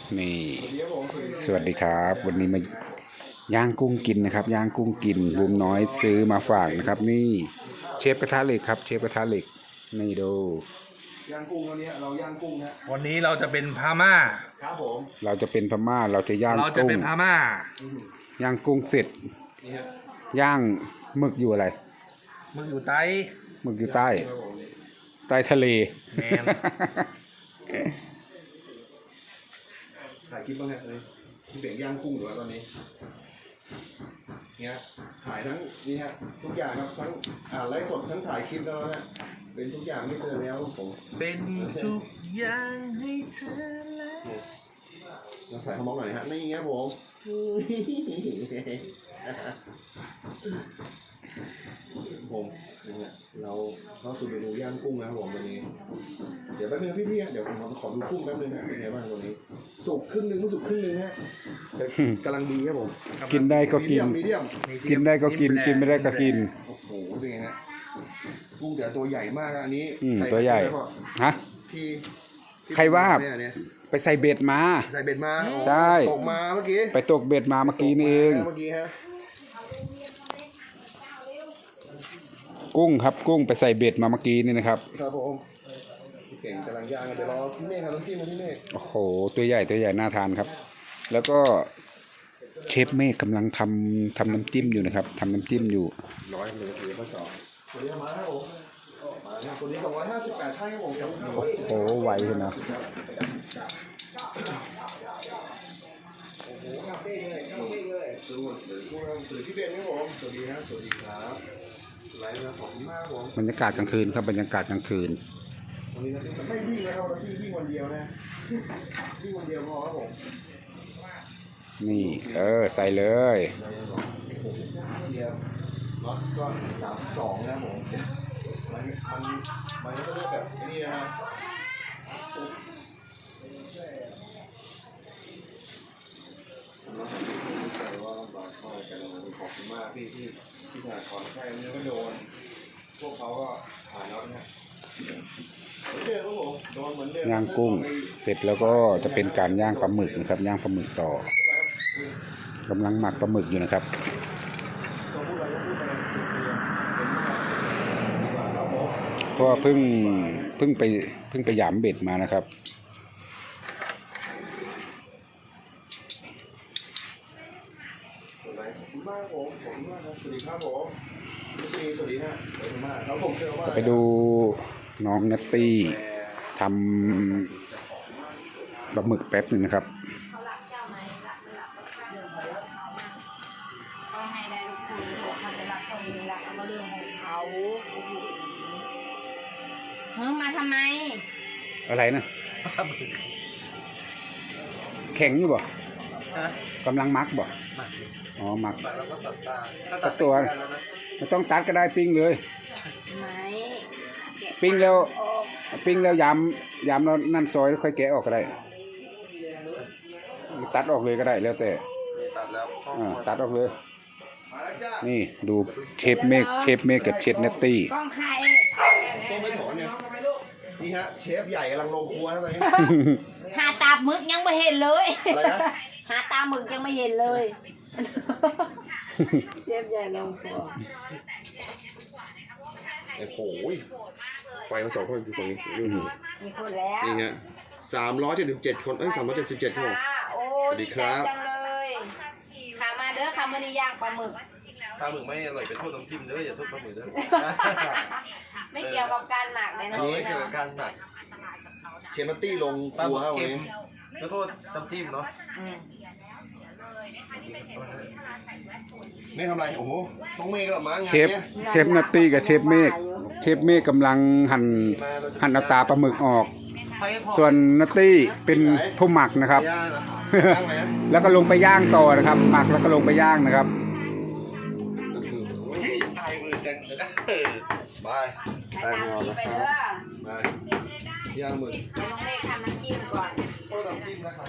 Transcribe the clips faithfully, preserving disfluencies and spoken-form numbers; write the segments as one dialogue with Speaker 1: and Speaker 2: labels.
Speaker 1: นี่สวัสดีครับวันนี้มาย่างกุ้งกินนะครับย่างกุ้งกินบุมน้อยซื้อมาฝากนะครับนี่เชฟกระทะเหล็กครับเชฟกระทะเหล็กนี่ดู
Speaker 2: ย่างกุ้งวันนี้เราย่างกุ้งนะ
Speaker 3: วันนี้เราจะเป็นพม่า
Speaker 2: ครับผม
Speaker 1: เราจะเป็นพม่าเราจะย่าง
Speaker 3: เราจะเป็นพม่า
Speaker 1: ย่างกุ้งเสร็จย่างหมึกอยู่อะไร
Speaker 3: หมึกอยู่ใต้
Speaker 1: หมึกอยู่ใต้ใต้ทะเล
Speaker 2: ถ่ายคลิปบ้างเนี่ยพี่เบ่งย่างกุ้งอยู่ตอนนี้เนี่ยถ่ายทั้งนี่ฮะทุกอย่างครับทั้งอ่านไลฟ์สดทั้งถ่ายคลิปแล้วนะเป็นทุกอย่างไม่เจอแล้วผม
Speaker 3: เป็นทุกอย่างให้เธอแล้ว
Speaker 2: เราใส่ขมอกหน่อยฮะนี่เงี้ยผมผมเนี่ยเราเข้าสู่เมนูย่างกุ้งนะครับผมวันนี้เดี๋ยวแป๊บนึงพี่ๆเดี๋ยวผมขอดูกุ้งแป๊บนึงนะเป็นไงบ้างวันนี้สุกครึ่งนึงสุกครึ่งนึงฮะกำลังดีครับผม
Speaker 1: กินได้ก็กินกินได้ก็กินกินไม่ได้ก็กิน
Speaker 2: โอ้โหเป็นไงฮะกุ้งแต่ตัวใหญ่มากอันนี้
Speaker 1: ตัวใหญ่ฮะ
Speaker 2: พี่
Speaker 1: ใครว่าไปใส่เบ็ดมา
Speaker 2: ใส่เบ็ดมา
Speaker 1: ใช่
Speaker 2: ตกมาเมื่อกี้
Speaker 1: ไปตกเบ็ดมาเมื่อกี้นี่เอง
Speaker 2: เมื่อกี้ฮะ
Speaker 1: กุ้งครับกุ้งไปใส่เบ็ดมาเมื่อกี้นี่นะครับ
Speaker 2: ครับผมเก่งกำลังย่างกันเดี๋ยวรอพี่เมฆครับน้ำจิ้มพี่เมฆ
Speaker 1: โอ้โหตัวใหญ่ตัวใหญ่น่าทานครับแล้วก็เชฟเมฆกำลังทำทำน้ำจิ้มอยู่นะครับทำน้ำจิ้มอยู่
Speaker 2: ร้อยหนึ่งถือข้อสอบตัวนี้มาครับผมมาเนี่ยตัวนี้สองร้อยห้าสิบแปดท่านครับผม
Speaker 1: โอ้โหไวเลยนะ
Speaker 2: โอ้โหคาเฟ่เลยคาเฟ่เลยสวัสดีสวัสดีพี่เบนครับผมสวัสดีครับสวัสดีครับไลฟ์นะผมมากผม
Speaker 1: บรรยากาศกลางคืนครับบรรยากาศกลางคืน
Speaker 2: วันนี้เราไม่วิ่งนะครับเราที่วิ่งวันเดียวนะวิ่งวันเดียวพอครับผม
Speaker 1: นี่เออใส่เลย
Speaker 2: เดียวน็อตก็สามสองนะผมมันมันมันก็จะเลือกแบบนี้นะฮะว่าลำบากมากแต่เราขอบคุณมากพี่ที่ที่ถ่ายถอนแค่นี้ก็โดนพวกเขาก็ผ่านแล้วนะเจอครับผมโดนเหมือนเดิม
Speaker 1: ย่างกุ้งเสร็จแล้วก็จะเป็นการย่างปลาหมึกนะครับย่างปลาหมึกต่อกำลังหมักปลาหมึกอยู่นะครับเพราะเพิ่งเพิ่งไปเพิ่งไปหยามเบ็ดมานะครับไปดูน้องนัตตี้ทำปลาหมึกแป๊บหนึ่งนะครับ
Speaker 4: เฮ้ยมาทำไม
Speaker 1: อะไรนะแข็งอยู่บ่กำลังมักบ่อ๋อมักตัดตัวไม่ต้องตัดก็ได้ปิ้งเลยปิ้งแล้วปิ้งแล้วยำยำแล้วนั่นซอยค่อยแกะออกก็ได้ตัดออกเลยก็ได้แล้วแต่ตัดออกเลยนี่ดูเชฟเมฆเชฟเมฆกับเชฟเนตตี้
Speaker 4: กล้องใคร
Speaker 2: ต้องไม่ถอนเนี่ยนี่ฮะเชฟใหญ่กำลังลงครัวนะตอนนี้
Speaker 4: หาตาหมึกยังไม่เห็นเลยหาตาหมึกยังไม่เห็นเลยเชฟใหญ่ลงครัว
Speaker 2: โอ้โหไฟมาสองคนคือสองนี้
Speaker 4: มีคนแล้ว
Speaker 2: นี่ฮะสามร้อยเจ็ดสิบเจ็ดคนเอ้ยสามร้อยเจ็ดสิบเจ็ดคนสวัสดีครับ
Speaker 4: ขามาเด้อขามาในย่างปลาหมึก
Speaker 3: ปลาหมึกไม่อร่อยเป็นโทษน้ำจิ้มเด้ออย่าโทษปลาหมึกเด้อ
Speaker 4: ไม่เกี่ยวกับการหมักเลยนะ
Speaker 3: ไม่เกี่ยวกับการหมัก
Speaker 2: เชฟนัตตี้ลงครัวครับวันนี้
Speaker 3: ขอโทษน้ำจิ้มเนาะ
Speaker 2: ไม่ทำไรโอ้โหต้องเมฆกับม้างาน
Speaker 1: เชฟเชฟนัตตี้กับเชฟเมฆเชฟเมฆกำลังหั่นหั่นเอาตาปลาหมึกออกส่วนนัตตี้เป็นผู้หมักนะครับแล้วก็ลงไปย่างต่อนะครับหมักแล้วก็ลงไปย่างนะครับ
Speaker 2: ตายมือจังเลยนะบาย
Speaker 4: ไปตามที่ไปเด้
Speaker 2: อย่างมือ
Speaker 4: น้องเมฆทำน้ำจิ้มก่อน
Speaker 2: โอ้น้ำจิ้มนะครับ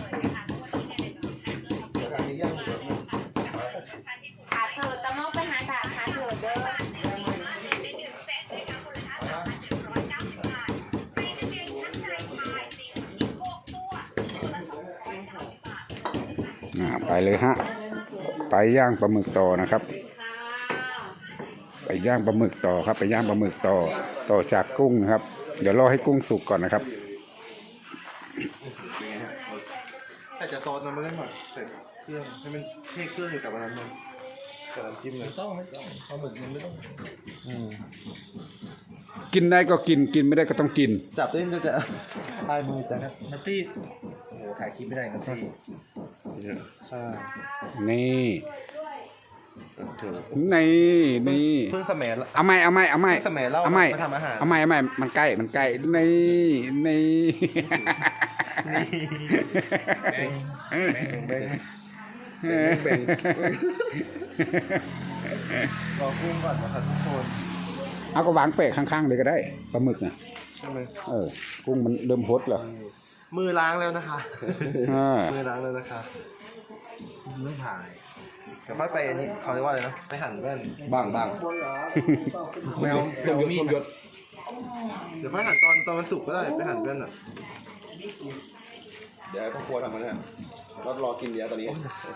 Speaker 2: แล้วการนี้ย่างมือ
Speaker 4: ขาเถิดตะมอกไปหาขาขาเถิดเด้อ
Speaker 1: อ่าไปเลยฮะไปย่างปลาหมึกต่อนะครับ ไปย่างปลาหมึกต่อครับ ไปย่างปลาหมึกต่อต่อจากกุ้งนะครับ เดี๋ยวรอให้กุ้งสุกก่อนนะครับ
Speaker 2: แต่จะซอสมันไม่ได้หมักใส่เครื่องให้มันให้เครื่องอยู่กับอันนั้นเลยกับน้ำจิ้มเลย
Speaker 3: ไม่ต้องไม่ต้องปลาหมึกมันไม่ต้อง
Speaker 2: อืม
Speaker 1: กินได้ก็กินกินไม่ได้ก็ต้องกิน
Speaker 2: จับเล่นจะจะลายมือแต่ครับ
Speaker 3: นัตตี้โอ้โหถ่ายคลิปไม่ได้นัตตี้
Speaker 2: อ่า
Speaker 1: นี่
Speaker 2: ถูก
Speaker 1: นี่นี่
Speaker 2: เพิ่งสมัยละ
Speaker 1: เอาไม่เอาไม่เอาไม่
Speaker 2: สมัยเล่า
Speaker 1: เอาไม่
Speaker 2: มาทำอาหาร
Speaker 1: เอาไม่เอาไม่มันใกล้มันใกล้นี่นี่
Speaker 3: แบ่ง
Speaker 2: แบ่งรอกุ้งก่อนนะครับทุกคน
Speaker 1: เอาก็วางเปะข้างๆเลยก็ได้ปลาหมึกน่ะ
Speaker 2: ใช่ไหม
Speaker 1: เออกุ้งมันเริ่มฮดแล้ว
Speaker 2: มือล้างแล้วนะคะ
Speaker 1: อ่า
Speaker 2: มือล้างแล้วนะคะ
Speaker 3: เรื่องถ่าย
Speaker 2: เดี๋ยวค่อยไปอันนี้เขาเรียกว่าอะไรนะไปหั่นแว่นบ้างบ้าง
Speaker 3: แมวแมวมีด
Speaker 2: ยศเดี๋ยวค่อยหั่นตอนตอนมันสุกก็ได้ไปหั่นแว่นอ่ะเดี๋ยวพ่อครัวทำมันเนี่ยเรารอกินเดี๋ยวตอนนี้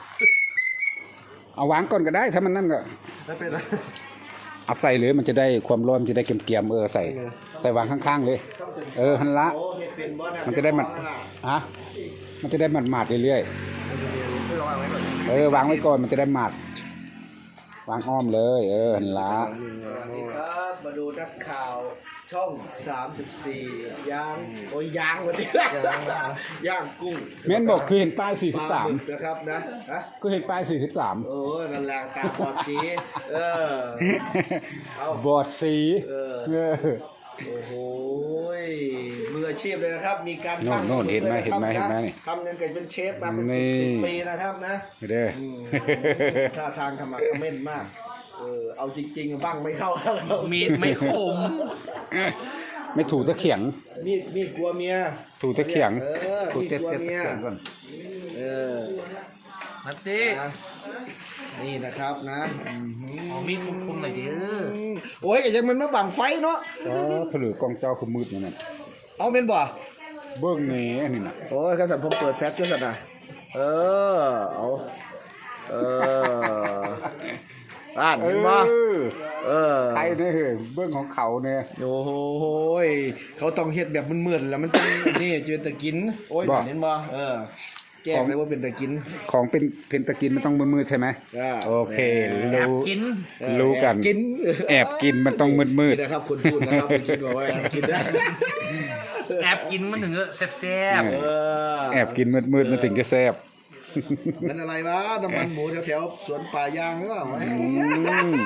Speaker 1: เอาวางก่อนก็ได้ถ้ามันนั่นก็
Speaker 2: ไม่เป็นไร
Speaker 1: เอาใส่เลยมันจะได้ความร้อนมันจะได้เกรียมๆเออใส่ใส่วางข้างๆเลย เออหันละมันจะได้หมัดฮะมันจะได้หมัดหมาดๆเรื่อย
Speaker 2: เพื่อวางไว้ก่อน
Speaker 1: ๆเออวางไว้ก่อนมันจะได้หมัดวางอ้อมเลย เออหันละ
Speaker 5: สวัสดีครับมาดูนักข่าวช่องสามสิบสี่ย่างโอ้ยย่างวันนี้ย่างกุ้ง
Speaker 1: เม้นบอกคือเห็นป้ายสี่
Speaker 5: ป
Speaker 1: สิบ
Speaker 5: ลา
Speaker 1: สาม
Speaker 5: หมึกนะครับนะฮะ
Speaker 1: ก็เห็นป้ายสี่สิบสาม
Speaker 5: โอ้ยนั่นแหละตาบอดสีเออ เอา
Speaker 1: บอดสี
Speaker 5: เออ
Speaker 1: เออ
Speaker 5: โอ้โหมืออาชีพเลยนะครับ มีการ
Speaker 1: โน่นโน่นเห็นไหมเห็นไหมเห็นไหม
Speaker 5: ทำเงินเกิดเป็นเชฟมาเป็น
Speaker 1: นี่
Speaker 5: สิบสิบปีนะครับนะ
Speaker 1: เด้อ
Speaker 5: อืมท่าทางขมักเขม้นมาก เออเอาจริงๆบ้างไม่เข้าแล้วเรา
Speaker 3: มีดไม่คม
Speaker 1: ไม่ถูตะเขียง
Speaker 5: มีดมีดกลัวเมีย
Speaker 1: ถูตะเขียง
Speaker 5: เออ
Speaker 1: ถู
Speaker 5: มีด
Speaker 1: เต็ด
Speaker 5: กลัว
Speaker 1: เต็ด
Speaker 5: เมีย
Speaker 1: เขียงก่อน
Speaker 5: เออ
Speaker 3: นัตตี้
Speaker 5: นะนี่นะครับนะอื้อหือ
Speaker 3: เอามีดคมๆหน่อยดิเออ
Speaker 5: โอ้ยก็ยังมันมาบังไฟเนาะ
Speaker 1: อ๋อผลือกองเจ้าคือมืดนี่นั่น
Speaker 5: เอาเป็นบ่
Speaker 1: เบิ้งแหนี่นี่น่ะ
Speaker 5: โอ้ยข้าสันผมเปิดแฟลชก็สันนะเออเอาเอออ่าน
Speaker 1: เอ
Speaker 5: เห็นบ่
Speaker 1: อ
Speaker 5: เออ
Speaker 1: ใครเนี่ยเฮ้ยเบิ้งของเขาเนี่ย
Speaker 5: โอ้โหยเขาต้องเฮ็ดแบบมืดๆแล้วมันต้อง นี่จะเป็นตะกิน โอ้ย
Speaker 1: บ่
Speaker 5: เห็นบ่เออแจ้งเลยว่าเป็นตะกิน
Speaker 1: ของเป็นเพนตะกินมันต้องมืดๆใช่ไหม
Speaker 5: อ่า
Speaker 1: โอเค
Speaker 3: แอบ
Speaker 1: รู้
Speaker 3: กิน
Speaker 5: เออ
Speaker 1: รู้กัน
Speaker 5: แอบกิน
Speaker 1: แอบกินมันต้องมืด
Speaker 5: นี่นะครับคนพูดนะครับไม่คิดว่าว่าแอบกินนะ
Speaker 3: แอบกินมันถึงจะแซ่บ
Speaker 1: เอ
Speaker 5: เออ
Speaker 1: ๆแอบกินมืดๆมันถึงจะแซ่บ
Speaker 5: มันอะไรวะน้ำมันหมูแถวๆสวนป่ายางหรือเปล่า
Speaker 1: อืม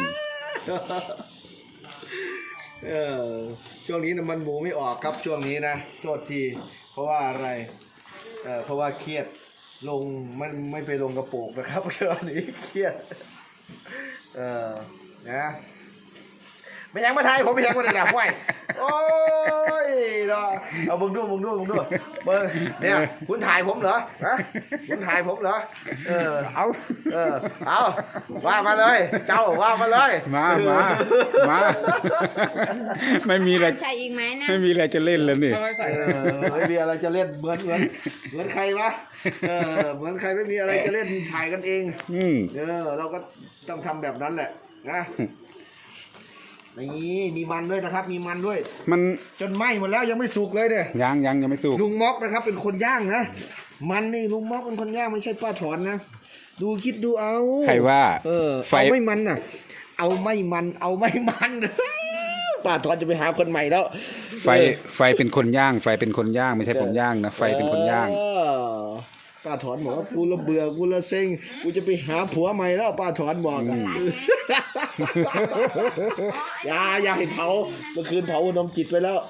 Speaker 5: เออช่วงนี้น้ำมันหมูไม่ออกครับช่วงนี้นะโทษทีเพราะว่าอะไรเออเพราะว่าเครียดลงมันไม่ไปลงกระโปรงนะครับ ช่วงนี้เครียดเออนะไม่ยังมาไทยผมไม่ยังมาในหนับไว้โอ้ยเนาะเอามึงดูมึงดูมึงดูเบิ้งเนี่ยคุณถ่ายผมเหรอฮะคุณถ่ายผมเหรอเออ
Speaker 1: เอา
Speaker 5: เออเอาว่ามาเลย เจ้าว่ามาเลย
Speaker 1: มามามา ไม่มีอะไร
Speaker 4: ใส่อีกไหมนะ
Speaker 1: ไม่มีอะไรจะเล่นแล้วนี่
Speaker 5: เออไม่มีอะไรจะเล่นเหมือนเหมือนเหมือนใครวะเออเหมือนใครไม่มีอะไรจะเล่นถ่ายกันเอง
Speaker 1: อืม
Speaker 5: เออเราก็ต้องทำแบบนั้นแหละนะนี่มีมันด้วยนะครับ มีมันด้วย
Speaker 1: มัน
Speaker 5: จนไหม้หมดแล้วยังไม่สุกเลยเนี่ย
Speaker 1: ยังยังยังไม่สุก
Speaker 5: ลุงม็อกนะครับ เป็นคนย่างนะมันนี่ลุงม็อกเป็นคนย่างไม่ใช่ป้าถอนนะดูคิดดูเอา
Speaker 1: ใครว่า
Speaker 5: เออ
Speaker 1: ไฟ
Speaker 5: เอาไม่มันน่ะ เอาไม่มัน เอาไม่มัน ป้าถอนจะไปหาคนใหม่แล้ว
Speaker 1: ไฟไฟเป็นคนย่าง ไฟเป็นคนย่างไม่ใช่ผมย่างนะไฟเป็นคนย่าง
Speaker 5: เออป้าถอนบอกว่ากูละเบื่อกูละเซ็งกูจะไปหาผัวใหม่แล้วป้าถอนบอกอะ อย่าอย่าให้เผาเมื่อคืนเผานมจิตไปแล้ว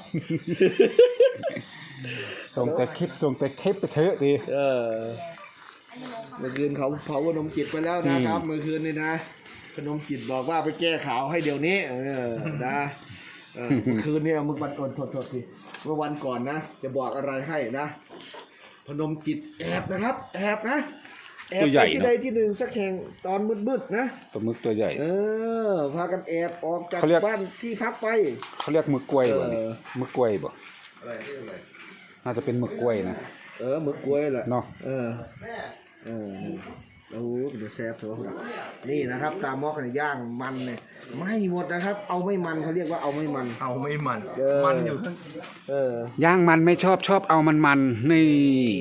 Speaker 1: ส่งแต่คลิปส่งแต่คลิปไปเถอะดิ
Speaker 5: เออเมื่อคืนเขาเผานมจิตไปแล้วนะครับ
Speaker 1: อืม
Speaker 5: เมื่อคืนนี่นะขนมจิตบอกว่าไปแก้ข่าวให้เดี๋ยวนี้ เออนะเออเมื่อคืนเนี่ยเมื่อวันก่อนโทษโทษทีเมื่อวันก่อนนะจะบอกอะไรให้นะพนมจิตแอบนะครับ แอบนะแอบ
Speaker 1: ตัวใหญ่
Speaker 5: ไปที่
Speaker 1: เนอะ
Speaker 5: ใดที่หนึ่งสักแห่งตอนมืดๆนะ
Speaker 1: ปลาหมึกตัวใหญ่
Speaker 5: เออพากันแอบออกจาก
Speaker 1: เขาเรียก
Speaker 5: บ้านที่พักไป
Speaker 1: เขาเรียกหมึกกล้วยบ่นี่
Speaker 5: เออ
Speaker 1: หมึกกล้วยบ่
Speaker 5: อะไรอะไร
Speaker 1: น่าจะเป็นหมึกกล้วยนะ
Speaker 5: เออหมึกกล้วยแหละ
Speaker 1: เนาะ
Speaker 5: เออเออโอ้โหเดี๋ยวแซ่บเถอะนี่นะครับตามมอกเนี่ยย่างมันเนี่ยไม่หมดนะครับ เอาไม่มันเขาเรียกว่าเอาไม่มัน
Speaker 3: เอาไม่มัน
Speaker 5: เออ
Speaker 3: มันอยู่ข้าง
Speaker 5: เออ
Speaker 1: ย่างมันไม่ชอบชอบเอามันมันๆนี่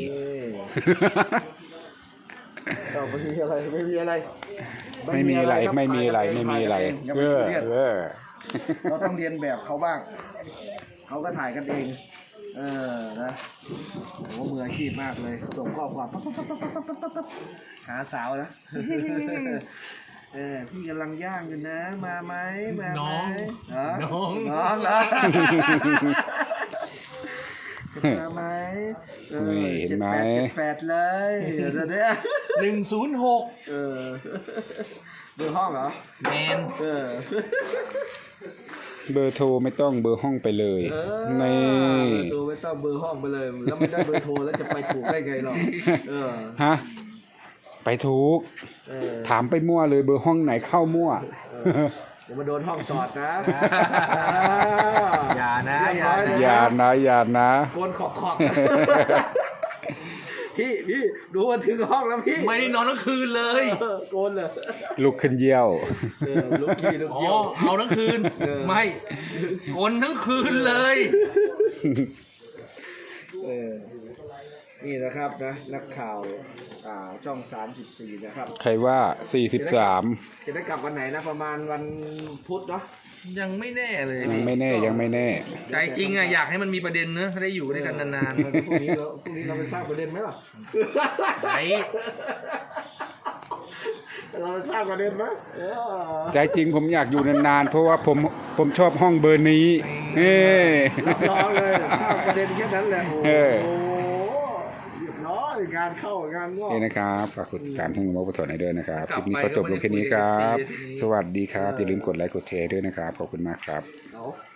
Speaker 5: เอาไม่มีอะไรไม่มีอะไร
Speaker 1: ไม่มีอะไร
Speaker 5: คบ
Speaker 1: ไม่มีอะไรไม่มีอะไร
Speaker 5: อย่า
Speaker 1: เอ
Speaker 5: ไป
Speaker 1: อ
Speaker 5: ซีเรียส
Speaker 1: เออ
Speaker 5: เราต้องเรียนแบบเขาบ้าง เขาก็ถ่ายกันเอง เออ นะโอ้มืออาชีพมากเลย ส่งข้อความปั๊บปั๊บปั๊บปั๊บปั๊บปั๊บปั๊บหาสาวนะ เออ พี่กำลังย่างอยู่นะ มาไหมมาไหม
Speaker 3: น้อง
Speaker 5: เหรอ
Speaker 3: น้อง
Speaker 5: น้องเหรอมาไหมออ
Speaker 1: นี่เห็นไหม
Speaker 5: จ็ดแปดเลยเดี๋ยวเนี้ย
Speaker 3: หนึ่งศูนย์หก
Speaker 5: เออเบอร์ห้องเหรอ
Speaker 3: แมน
Speaker 5: เออ
Speaker 1: เบอร์โทรไม่ต้องเบอร์ห้องไปเลย
Speaker 5: เออ
Speaker 1: นี่
Speaker 5: เบอร์โทรไม่ต้องเบอร์ห้องไปเลย แล้วไม่ได้เบอร์โทรแล้วจะไปถูกได้ไงหรอเออ
Speaker 1: ฮะไปถูก
Speaker 5: เออ
Speaker 1: ถามไปมั่วเลยเบอร์ห้องไหนเข้ามั่ว
Speaker 5: อย่ามาโดนห้องสอดนะ
Speaker 3: อย่านะอย่า
Speaker 1: อย่านะอย่านะ
Speaker 5: โกนขอกขอกพี่พี่ดูมาถึงห้องแล้วพี่
Speaker 3: ไม่ได้นอนทั้งคืนเลย
Speaker 5: เออโกนเลย
Speaker 1: ลุกขึ้นเยี่ยว
Speaker 5: เออลูกขี้ลูก
Speaker 3: อ๋อ
Speaker 5: เยี่ยว
Speaker 3: เอาทั้งคืน
Speaker 5: เออ
Speaker 3: ไม่กลทั้งคืนเลย
Speaker 5: เออนี่นะครับนะนักข่าวอ่าช่องสามสิบสี่นะครับ
Speaker 1: ใครว่าสี่สิบสาม
Speaker 5: จะได้กลับวันไหนนะประมาณวันพุธเนาะ
Speaker 3: ยังไม่แน่เลย
Speaker 1: ยังไม่แน่ยังไม่แน่
Speaker 3: ใจจริงอะอยากให้มันมีประเด็นเนอะได้อยู่ด้วยกันนาน
Speaker 5: เออพรุ่งนี้เราพรุ่งนี้เราไปสร้างประเด็นไหมล่ะ
Speaker 3: ๆไหน
Speaker 5: เราไปสร้างประเด็นไหมเออ
Speaker 1: ใจจริงผมอยากอยู่นานๆ เพราะว่าผมผมชอบห้องเบอร์นี้เฮ้
Speaker 5: รับรองเลยสร้างประเด็นแค่นั้นแหละโอ้
Speaker 1: เออ
Speaker 5: โหเรียบร้อยงานเข้างานงอก
Speaker 1: นี่นะครับฝากกดติดตามช่องโมบะถอนให้ด้วยนะครับคลิปนี้ก็จบลงแค่นี้ครับ สวัสดีครับ อย่าลืมกดไลค์กดแชร์ด้วยนะครับ ขอบคุณมากครับ
Speaker 5: เอา